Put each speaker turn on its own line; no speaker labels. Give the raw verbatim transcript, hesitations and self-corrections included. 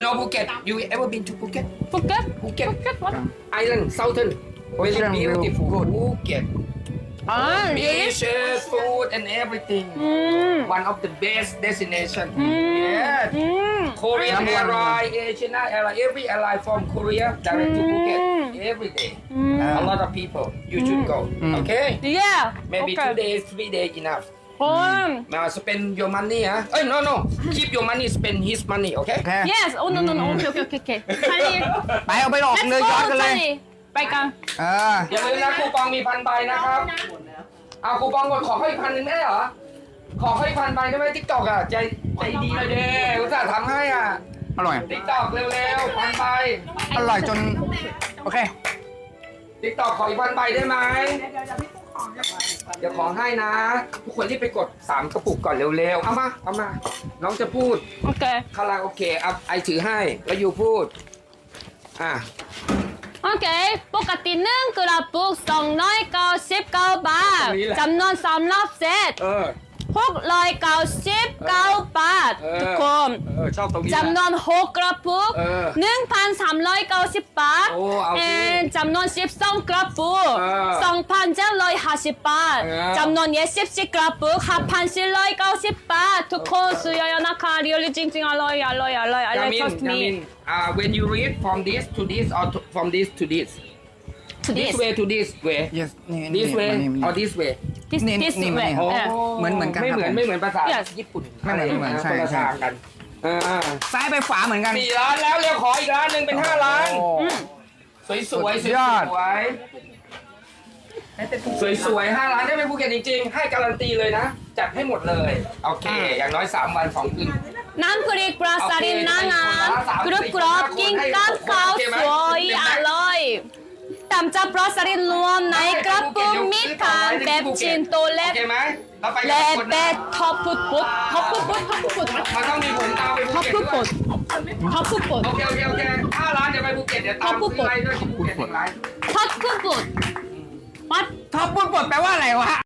No Phuket. You ever been to Phuket?
Phuket?
Phuket.
Phuket what?
Island, southern. Very
Southern
beautiful.
good.
Phuket.
Ah, really?
Beaches, food, and everything.
Mm.
One of the best destination.
Mm.
Yes.
Mm.
Korean
Number one.
airline, Asian airline, every airline from Korea direct to Phuket every day.
Mm.
A lot of people. You should go. Okay?
Yeah.
Maybe
okay.
two days, three days enough.
Oh.
Now spend your money, huh? Oh no no, keep your money, spend his money, okay?
โอเค
Yes. Oh no no no. Okay okay okay okay. Charlie.
ไปเอาไปหลอก
Let's
เลยย้อนกัน
go
เลย
Charlie. ไปกัน
เออ
อย่าลืมนะคูปองมีพันใบนะครับ เอาคูปองหมดขอเขาอีกพันหนึ่งได้เหรอ ขอเขาอีกพันใบได้ไหมทิกตอกอ่ะใจใจดีเลยเด้อุตส่าห์ทำให้อ่ะ
อร่อย
ทิกตอกเร็วๆพันใบ
อร่อยจน โอเค
ทิกตอกขออีกพันใบได้ไหมเดี๋ยวขอให้นะ ทุกคนรีบไปกดสามกระปุกก่อนเร็วๆ เอามา เอามา น้องจะพูด
โอเค
คาราโอเกะอ่ะไอถือให้ แล้วอยู่พูด อ่ะ
โอเค ปกติหนึ่งกระปุกสองร้อยเก้าสิบเก้าบาท
ตรงนี้แหละ
จำนวนสามรอบเซต
เออ
หกร้อยเก้าสิบเก้าบาท
เออ
ทุกคน
เออ ชอบตรงนี้แหละ
จำนวนหกกระปุก
เออ
หนึ่งพันสามร้อยเก้าสิบบาท
โอ้เอาสิ
เอ่อจำนวนสิบสองกระปุก
เออ
สองพันเจ็ดร้อยห้าสิบบาท
เออ
จำนวนยี่สิบสี่กระปุกห้าพันสี่ร้อยเก้าสิบบาท ทุกคนซื้อเยอะๆนะคะเรียลจริงๆอร่อยอร่อยอร่อยอร่อย
Yamin,
trust me
Yamin, uh, when you read from this to this or to, from this to this,
to
this
this
way to this way,
yes นี่
this
นี่
way
นี่
or this way.
this
นี่
this
นี่
way
นี่
เออ
เหมือนเหมือนกัน
ไม่
ครับ
เหมือน
ผม
ไม่เหมือนภาษา
Yes
ญี่ปุ่น
ไม่เหมือนไม่เหมือนใช่
คนละ
ใช่
ทางกันอ่า
ซ้ายไปขวาเหมือนกัน
สี่ล้านแล้วเรียกขออีกล้านหนึ่งเป็นห้าล้าน
โอ้
สวยสวยส
สุ
วย
ดยอด
สวยสวยห้าล้านได้ไปภูเก็ตจริงๆ ให้การันตีเลยนะ จัดให้หมดเลย โอเค อย่างน้อยสามวันสองคืน
น้ำพริกปลาสลิดนางามกรุบกรอบกินกับข้าวสวยอร่อยตำจับปลาสลิดรวมในกระปุกมีทานแบบชิ้นโตเล็
โอก เคไหมเราไปกั
และ
บคน
แบ
นะ
บท็อปฟุตฟุตท็อปฟุตฟุตท็อปฟุตฟุต
มันต้องมีผลตามไปภู
ท็อป
เก็ต
ฟุต
ด้วย
ฟุตท็อปฟุตฟุต
โอเคโอเคโอเคห้าล้านเดี๋ยวไปภูเก็ตเดี๋ยวตาม
ขอบคุณ
ซื้อไลน์ด้วยที่ภูเก็ตอีกไลน์
ท็อปฟุตฟุตวัด
ท็อปปุ้นปลดแปลว่าอะไรวะ